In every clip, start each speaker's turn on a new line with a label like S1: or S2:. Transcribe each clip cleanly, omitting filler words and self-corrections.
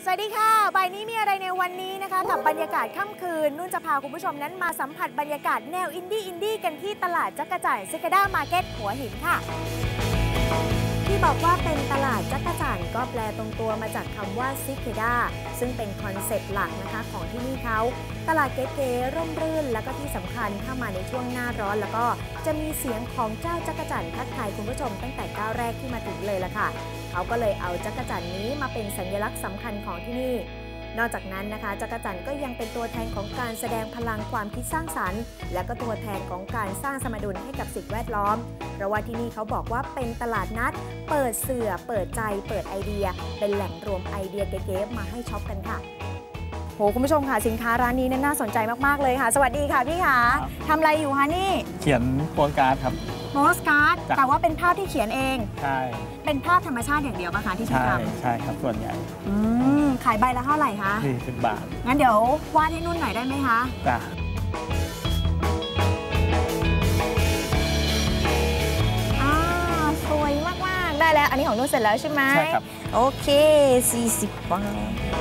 S1: สวัสดีค่ะบ่ายนี้มีอะไรในวันนี้นะคะกับบรรยากาศค่ำคืนนุ่นจะพาคุณผู้ชมนั้นมาสัมผัสบรรยากาศแนวอินดี้กันที่ตลาดจักรจั่นซิกาด้ามาร์เก็ตหัวหินค่ะที่บอกว่าเป็นตลาดจักรจั่นก็แปลตรงตัวมาจากคำว่าซิเคด้าซึ่งเป็นคอนเซ็ปต์หลักนะคะของที่นี่เขาตลาดเก๋ๆร่มรื่นแล้วก็ที่สำคัญถ้ามาในช่วงหน้าร้อนแล้วก็จะมีเสียงของเจ้าจักรจั่นทักทายคุณผู้ชมตั้งแต่ก้าวแรกที่มาถึงเลยล่ะค่ะเขาก็เลยเอาจักรจั่นนี้มาเป็นสัญลักษณ์สำคัญของที่นี่นอกจากนั้นนะคะจักรจั่นก็ยังเป็นตัวแทนของการแสดงพลังความคิดสร้างสรรค์และก็ตัวแทนของการสร้างสมดุลให้กับสิ่งแวดล้อมเพราะว่าที่นี่เขาบอกว่าเป็นตลาดนัดเปิดเสื่อเปิดใจเปิดไอเดียเป็นแหล่งรวมไอเดียเก๋ๆมาให้ช็อปกันค่ะโหคุณผู้ชมค่ะสินค้าร้านนี้น่าสนใจมากๆเลยค่ะสวัสดีค่ะพี่ค่ะทำอะไรอยู่คะนี่
S2: เขียนโปสการ์ดครับ
S1: โปสการ์ดแต่ว่าเป็นภาพที่เขียนเอง
S2: ใช่
S1: เป็นภาพธรรมชาติอย่างเดียวป่ะคะที่ทำ
S2: ใช่ครับส่วนใหญ่
S1: ขายใบละเท่าไหร่คะ
S2: 40 บาท
S1: งั้นเดี๋ยววาดให้นุ่นหน่อยได้ไหมคะ
S2: จ้ะ
S1: สวยมากๆได้แล้วอันนี้ของนุ่นเสร็จแล้วใช่ไหม
S2: ใช่ครับ
S1: โอเค40 บาท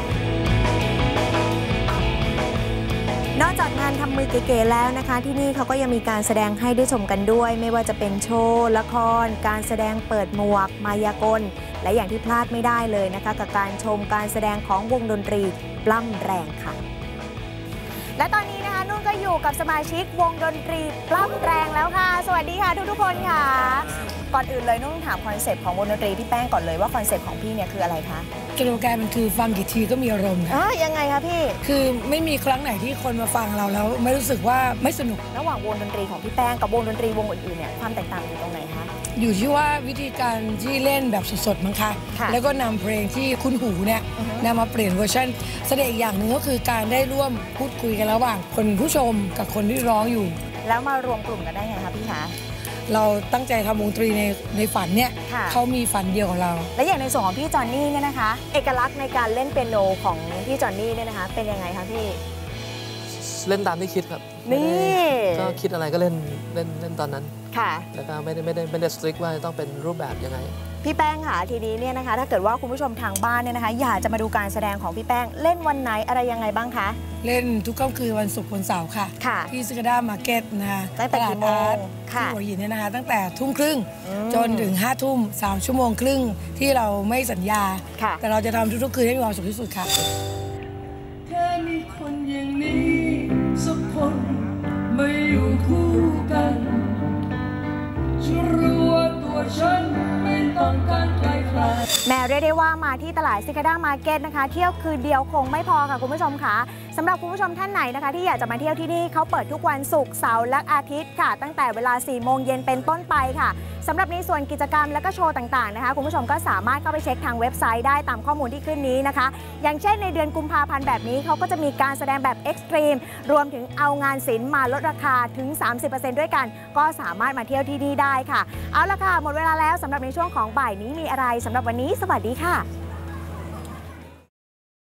S1: นอกจากงานทำมือเก๋ๆแล้วนะคะที่นี่เขาก็ยังมีการแสดงให้ได้ชมกันด้วยไม่ว่าจะเป็นโชว์ละครการแสดงเปิดหมวกมายากลและอย่างที่พลาดไม่ได้เลยนะคะกับการชมการแสดงของวงดนตรีปล้ำแรงค่ะและตอนนี้นะคะนุ่นก็อยู่กับสมาชิกวงดนตรีปล้ำแรงแล้วค่ะสวัสดีค่ะทุกคนค่ะก่อนอื่นเลยนุ่นถามคอนเซปต์ของวงดนตรีพี่แป้งก่อนเลยว่าคอนเซปต์ของพี่เนี่ยคืออะไรคะ
S3: สโลแกนมันคือฟังกี่ทีก็มีอารมณ์ค่ะ
S1: ยังไงคะพี่
S3: คือไม่มีครั้งไหนที่คนมาฟังเราแล้วไม่รู้สึกว่าไม่สนุก
S1: ระหว่างวงดนตรีของพี่แป้งกับวงดนตรีวงอื่นๆเนี่ยความแตกต่างอยู่ตรงไหนคะ
S3: อยู่ที่ว่าวิธีการที่เล่นแบบสดๆมั้งคะแล้วก็นำเพลงที่คุ้นหูเนี่ยนำมาเปลี่ยนเวอร์ชันแสดงอีกอย่างหนึ่งก็คือการได้ร่วมพูดคุยกันระหว่างคนผู้ชมกับคนที่ร้องอยู่
S1: แล้วมารวมกลุ่มกันได้ไงคะพี่คะ
S3: เราตั้งใจทำวงดนตรีในฝันเนี่ยเขามีฝันเดียวกับเรา
S1: และอย่างในส่วนของพี่จอนนี่เนี่ยนะคะเอกลักษณ์ในการเล่นเปียโนของพี่จอนนี่เนี่ยนะคะเป็นยังไงคะพี่
S4: เล่นตามที่คิดครับ
S1: นี่
S4: ก็คิดอะไรก็เล่นตอนนั้น
S1: ค่ะ
S4: แล้วก็ไม่ได้สตริกว่าต้องเป็นรูปแบบยังไง
S1: พี่แป้งค่ะทีนี้เนี่ยนะคะถ้าเกิดว่าคุณผู้ชมทางบ้านเนี่ยนะคะอยากจะมาดูการแสดงของพี่แป้งเล่นวันไหนอะไรยังไงบ้างคะ
S3: เล่นทุกค่ำคืนวันศุกร์วันเสาร์ค่ะที่ซิกาด้ามาร์เก็ตนะคะ
S1: ตลาดอาร์ต
S3: ที่หัวหินเนี่ยนะคะตั้งแต่20:30จนถึง5 ทุ่ม3 ชั่วโมงครึ่งที่เราไม่สัญญาแต่เราจะทำทุกๆคืนให้มีความสุขที่สุดค่ะ
S5: แค่มีคนอย่างนี้สักคนมาอยู่คู่กันฉันรู้ว่าตัวฉันไม่ต้องการใคร
S1: แม้เรียกได้ว่ามาที่ตลาดซิกาด้ามาร์เก็ตนะคะเที่ยวคืนเดียวคงไม่พอค่ะคุณผู้ชมค่ะสำหรับคุณผู้ชมท่านไหนนะคะที่อยากจะมาเที่ยวที่นี่เขาเปิดทุกวันศุกร์เสาร์และอาทิตย์ค่ะตั้งแต่เวลา 4 โมงเย็นเป็นต้นไปค่ะสำหรับในส่วนกิจกรรมและก็โชว์ต่างๆนะคะคุณผู้ชมก็สามารถเข้าไปเช็คทางเว็บไซต์ได้ตามข้อมูลที่ขึ้นนี้นะคะอย่างเช่นในเดือนกุมภาพันธ์แบบนี้เขาก็จะมีการแสดงแบบเอ็กซ์ตรีมรวมถึงเอางานศิลป์มาลดราคาถึง 30% ด้วยกันก็สามารถมาเที่ยวที่นี่ได้ค่ะเอาละค่ะหมดเวลาแล้วสำหรับในช่วงของบ่ายนี้มีอะไรสำหรับวันนี้สวัสดีค่ะ